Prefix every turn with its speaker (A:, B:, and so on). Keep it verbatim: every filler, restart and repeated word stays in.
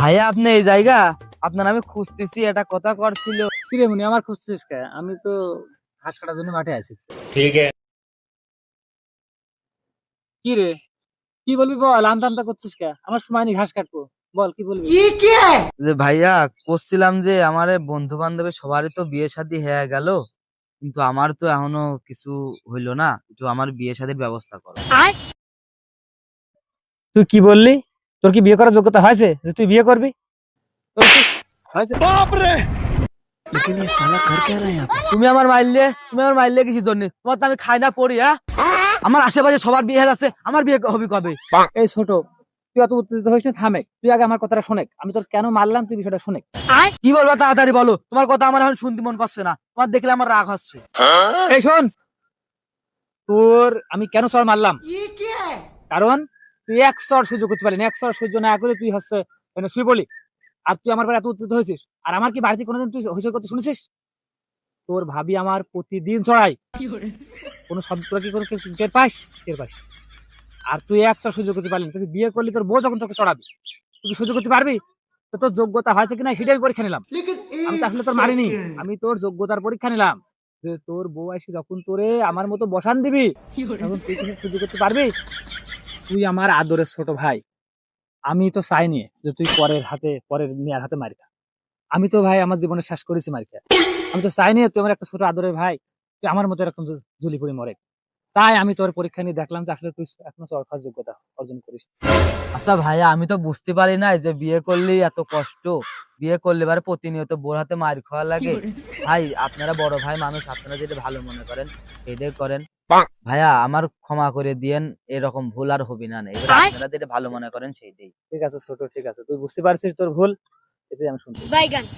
A: ভাইয়া আপনি এই জায়গা আপনার আমি খুঁজতেছি, এটা কথা করছিল।
B: কি রে মুনি, আমার খুঁজছিস কে? আমি তো ঘাস কাটার জন্য মাঠে আছি।
C: ठीक है।
B: কি রে, কি বলবি বল? আমতা আমতা করছিস কে? আমার সময় নেই ঘাস কাটবো, বল কি বলবি?
A: যে ভাইয়া করছিলাম যে আমার বন্ধু বান্ধবের সবারই তো বিয়ে শাদী হয়ে গেল, কিন্তু আমার তো এখনো কিছু হইলো না। একটু আমার বিয়ে শাদীর ব্যবস্থা করো।
B: তুই কি বললি? তোর কি বিয়ে করার যোগ্যতা হয়েছে যে তুই বিয়ে করবি? তোর কি হয়েছে?
A: তুমি আমার মাইললে তুমি আমার মাইললে কিসের জন্য? তোমার তো আমি খাই না পড়ি। হ্যাঁ, আমার আশেপাশে সবার বিয়ে হয়ে যাচ্ছে, আমার বিয়ে হবি কবে?
B: এই ছোট, তুই অত উত্তেজিত হইস না, থামেক। তুই আগে আমার কথাটা শোনেক, আমি তোর কেন মারলাম তুই বিষয়টা শোনেক।
A: কি বলবা তাড়াতাড়ি বলো, তোমার কথা আমার এখন শুনতে মন করছে না, তোমার দেখলে আমার রাগ হচ্ছে।
B: এই শোন, তোর আমি কেন চর মারলাম, কারণ তুই এক চর সহ্য করতে পারলি না। এক চর সহ্য না করে তুই হচ্ছে মানে শুই বলি, আর তুই আমার বাড়ি এত উত্তেজিত হয়েছিস। আর আমার কি বাড়িতে কোনোদিন তুই হইচই করতে শুনেছিস? তোর ভাবি আমার প্রতিদিন চড়াই, কোনো শব্দ কি কোনো টের পাস? টের পাস। আর তুই এক চর সহ্য করতে পারলি না। তুই বিয়ে করলি, তোর বউ যখন তোকে চড়াবি তুই কি সহ্য করতে পারবি? তো তোর যোগ্যতা হয়েছে কিনা সেটাই পরীক্ষা নিলাম। আমি তো আসলে তোর মারিনি, আমি তোর যোগ্যতার পরীক্ষা নিলাম যে তোর বউ এসে যখন তোরে আমার মতো বসান দিবি তখন তুই কিছু সহ্য করতে পারবি? তুই আমার আদরের ছোট ভাই, আমি তো চাইনি যে তুই পরের হাতে পরের মেয়ের হাতে মারি খা। আমি তো ভাই আমার জীবনে শেষ করেছি মারি খা। আমি তো চাইনি তুই আমার একটা ছোট আদরের ভাই তুই আমার মতো এরকম ঝুলি পড়ে মরে। তাই আমি তোর পরীক্ষা নিয়ে দেখলাম যে আসলে তুই এখনো চরকার যোগ্যতা অর্জন করিস।
A: আচ্ছা ভাইয়া, আমি তো বুঝতে পারি না যে বিয়ে করলেই এত কষ্ট। বিয়ে করলে এবারে প্রতিনিয়ত বোর হাতে মার খাওয়া লাগে। ভাই আপনারা বড় ভাই মানুষ, আপনারা যেটা ভালো মনে করেন সেটাই করেন। ভাইয়া আমার ক্ষমা করে দিয়েন, এরকম ভুল আর হবি না। এবার আপনারা যেটা ভালো মনে করেন সেইটাই।
B: ঠিক আছে ছোট, ঠিক আছে, তুই বুঝতে পারছিস তোর ভুল, এটাই আমি শুনতে।